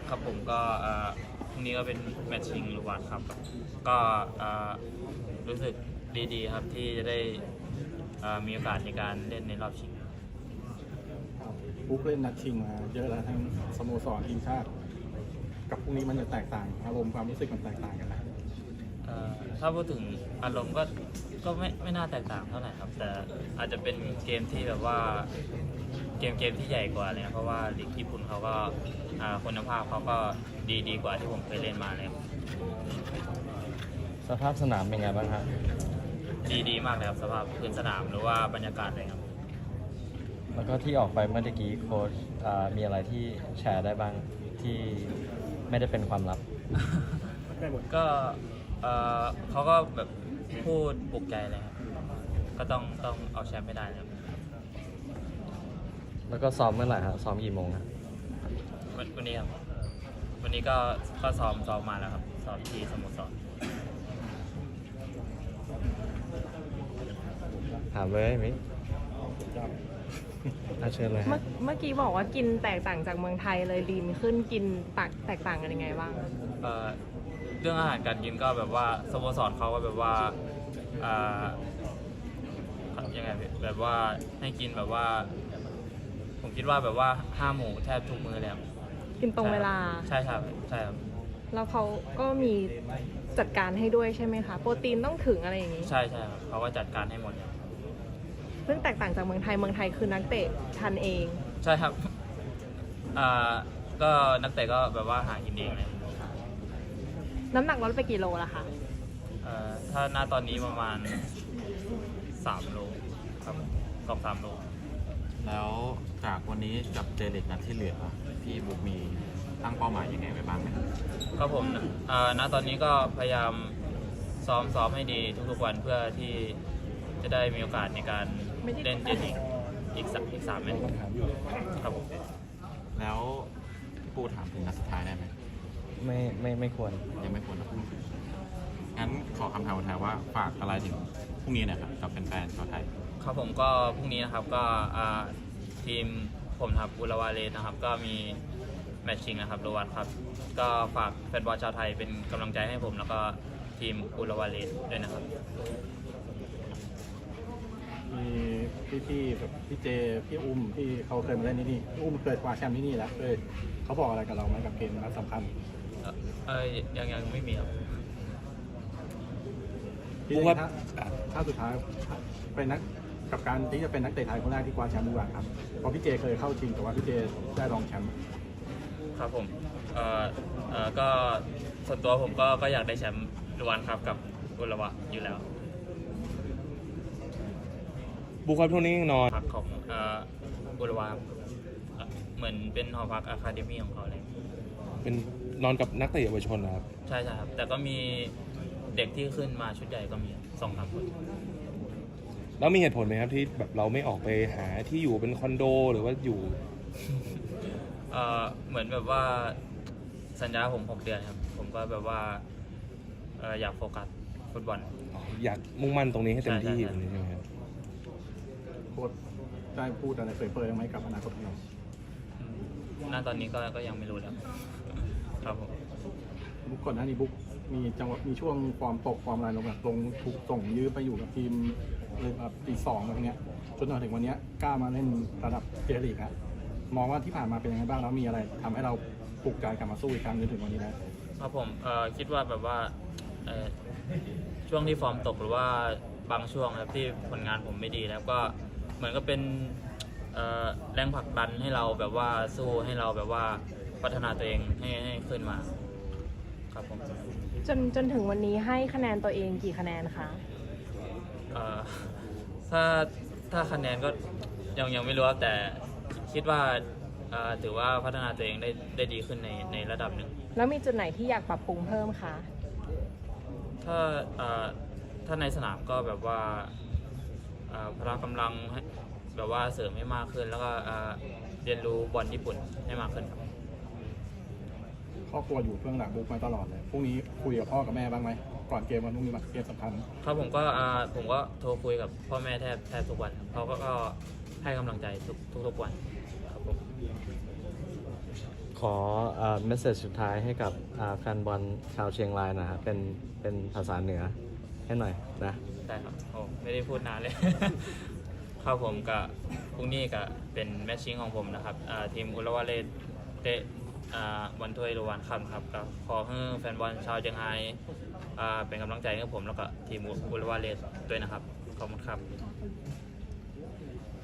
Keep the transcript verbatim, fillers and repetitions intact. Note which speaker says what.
Speaker 1: ครับผมก็พรุ่งนี้ก็เป็นแมตช์ชิงลูวานครับก็รู้สึกดีๆครับที่จะได้มีโอกาสในการเล่นในรอบชิง
Speaker 2: บุ๊กเล่นนัดชิงมาเยอะแล้วทั้งสโมสรทีมชาติกับพรุ่งนี้มันจะแตกต่างอารมณ์ความรู้สึกมันแตกต่างกันนะ
Speaker 1: ถ้าพูดถึงอารมณ์ก็ก็ไม่ไม่น่าแตกต่างเท่าไหร่ครับแต่อาจจะเป็นเกมที่แบบว่าเกมเกมที่ใหญ่กว่าเลยเพราะว่าลีกญี่ปุ่นเขาก็คุณภาพเขาก็ดีดีกว่าที่ผมเคยเล่นมาเลย
Speaker 3: สภาพสนามเป็นไงบ้างครับ
Speaker 1: ดีดีมากเลยครับสภาพพื้นสนามหรือว่าบรรยากาศเลยครับ
Speaker 3: แล้วก็ที่ออกไปเมื่อกี้โค้ชมีอะไรที่แชร์ได้บ้างที่ไม่ได้เป็นความลับ
Speaker 1: ก็เขาก็แบบพูดปลุกใจเลยครับก็ต้องต้องเอาแชมป์ไม่ได้ครับ
Speaker 3: แล้วก็ซ้อมเมื่อไหร่ครับซ้อมกี่โมงครับ
Speaker 1: วันนี้ครับวันนี้ก็ก็ซ้อมซ้อมมาแล้วครับซ้อมที่สโมสร
Speaker 3: ถามเลยมิอาเชิญเลย
Speaker 4: เมื่อเมื่อกี้บอกว่ากินแตกต่างจากเมืองไทยเลยลีนขึ้นกินตักแตกต่างกันยังไงบ้าง
Speaker 1: เอ่อเรื่องอาหารการกินก็แบบว่าสโมสรเขาก็แบบว่าอ่ายังไงแบบว่าให้กินแบบว่าผมคิดว่าแบบว่าห้าหมูแทบทุกมื้อแล้ว
Speaker 4: กินตรงเวลา
Speaker 1: ใช่ครับใช่ครับ
Speaker 4: แล้วเขาก็มีจัดการให้ด้วยใช่ไหมคะโปรตีนต้องถึงอะไรอย่างนี้
Speaker 1: ใช่ใช่ครับเขาก็จัดการให้หมด
Speaker 4: ซึ่งแตกต่างจากเมืองไทยเมืองไทยคือนักเตะทันเอง
Speaker 1: ใช่ครับอ่าก็นักเตะก็แบบว่าหากินเองเลย
Speaker 4: น้ำหนักลดไปกี่โลล่ะคะ
Speaker 1: เอ่อถ้าหน้าตอนนี้ประมาณสามโลครับกอบสามโล
Speaker 5: แล้วจากวันนี้กับเจลิกนัดที่เหลือพี่บุ๊กมีตั้งเป้าหมายยังไงไว้บ้างไหม
Speaker 1: ครับผมเอ่อณตอนนี้ก็พยายามซ้อมซ้อมให้ดีทุกๆวันเพื่อที่จะได้มีโอกาสในการเล่นเจลิกอีกสักอีกสามแมตช์ครับผม
Speaker 5: แล้วพี่ปูถามถึงนัดสุดท้ายได้ไหม
Speaker 3: ไม่ไม่ไม่ควร
Speaker 5: ยังไม่ควรนะงั้นขอคำถามสุดท้ายว่าฝากอะไรถึงพรุ่งนี้นะครับกับแฟนๆชาวไทย
Speaker 1: ครับผมก็พรุ่งนี้นะครับก็ทีมผมครับอุลวาเลนะครับก็มีแมตช์ชิงนะครับโรวันครับก็ฝากแฟนบอลชาวไทยเป็นกำลังใจให้ผมแล้วก็ทีมอุลวาเลด้วยนะครับ
Speaker 2: มีพี่ๆแบบพี่เจพี่อุ้มที่เขาเคยมาเล่นที่นี่อุ้มเคยคว้าแชมป์ที่นี่แล้วเคยเขาบอกอะไรกับเราไหมกับเกมนัดสำคัญ
Speaker 1: เออยังยังไม่มีครับ
Speaker 2: พี่ว่าถ้าสุดท้ายเป็นนักกับการที่จะเป็นนักเตะไทยคนแรกที่คว้าแชมป์ดีกว่าครับเพราะพี่เจเคยเข้าชิงแต่ว่าพี่เจได้รองแชมป์
Speaker 1: ครับผมเอ่อเอ่อก็ส่วนตัวผมก็ก็อยากได้แชมป์รวันครับกับอุลวะอยู่แล้ว
Speaker 3: บุคคลพวกนี้นอน
Speaker 1: พักของเอ่ออุลวะเหมือนเป็นหอพักอะคาเดมี่ของเขาเลย
Speaker 3: เป็นนอนกับนักเตะเยาวชนนะครับ
Speaker 1: ใช่ใช่ครับแต่ก็มีเด็กที่ขึ้นมาชุดใหญ่ก็มีสองสามคน
Speaker 3: แล้วมีเหตุผลไหมครับที่แบบเราไม่ออกไปหาที่อยู่เป็นคอนโดหรือว่าอยู่
Speaker 1: เอ่อเหมือนแบบว่าสัญญาผมหกเดือนครับผมก็แบบว่าเอ่ออยากโฟกัสฟุตบอล
Speaker 3: อยากมุ่งมั่นตรงนี้ให้เต็มที่ใช่ไหมครับ
Speaker 2: โค้ชได้พูดอะไรเผยๆไหมกับอนาคตของเรา
Speaker 1: ณตอนนี้ก็ก็ยังไม่รู้แล้วครับผม
Speaker 2: บุ๊กก่อนหน้านี้บุ๊กมีจังหวะมีช่วงฟอร์มตกฟอร์มอะไรลงแบบลงถูกส่งยืมไปอยู่กับทีมเลยแบบปีสองอะไรเงี้ยจนถึงวันนี้กล้ามาเล่นระดับเจลีกครับมองว่าที่ผ่านมาเป็นยังไงบ้างแล้วมีอะไรทำให้เราปลุกใจกลับมาสู้อีกครั้งจนถึงวันนี้นะครับ
Speaker 1: ผมเอ่อคิดว่าแบบว่าเอ่อช่วงที่ฟอร์มตกหรือว่าบางช่วงครับที่ผลงานผมไม่ดีแล้วก็เหมือนก็เป็นเอ่อแรงผลักดันให้เราแบบว่าสู้ให้เราแบบว่าพัฒนาตัวเองให้ให้ขึ้นมาครับผม
Speaker 4: จนจนถึงวันนี้ให้คะแนนตัวเองกี่คะแนนคะ
Speaker 1: เอ่อถ้าถ้าคะแนนก็ยังยังไม่รู้แต่คิดว่าถือว่าพัฒนาตัวเองได้ได้ดีขึ้นในในระดับหนึ่ง
Speaker 4: แล้วมีจุดไหนที่อยากปรับปรุงเพิ่มคะ
Speaker 1: ถ้าถ้าในสนามก็แบบว่าพละกำลังแบบว่าเสริมให้มากขึ้นแล้วก็เรียนรู้บอลญี่ปุ่นให้มากขึ้นครับ
Speaker 2: ครอบครัวอยู่เบื้องหลังบุ๊กมาตลอดเลยพรุ่งนี้คุยกับพ่อกับแม่บ้างไหมก่อนเกมวันพรุ่งนี้มาเกมสำคัญ
Speaker 1: ครับผมก็ผมก็โทรคุยกับพ่อแม่แทบแทบทุกวันเขาก็ให้กำลังใจทุกทุกวันครับผม
Speaker 3: ขอเมสเซจสุดท้ายให้กับอ่าแฟนบอลชาวเชียงรายนะครับเป็นเป็นภาษาเหนือให้หน่อยนะ
Speaker 1: ได้ครับโอ้ไม่ได้พูดนานเลย ครับผมกับพรุ่งนี้ก็เป็นแมตช์ชิงของผมนะครับอ่าทีมอุลวาเลสเตะอ่าวันถ้วยรางวัลค่ำครับก็ขอให้แฟนบอลชาวเชียงรายอ่าเป็นกำลังใจให้ผมแล้วก็ทีมอุลวาเลสด้วยนะครับขอบคุณครับ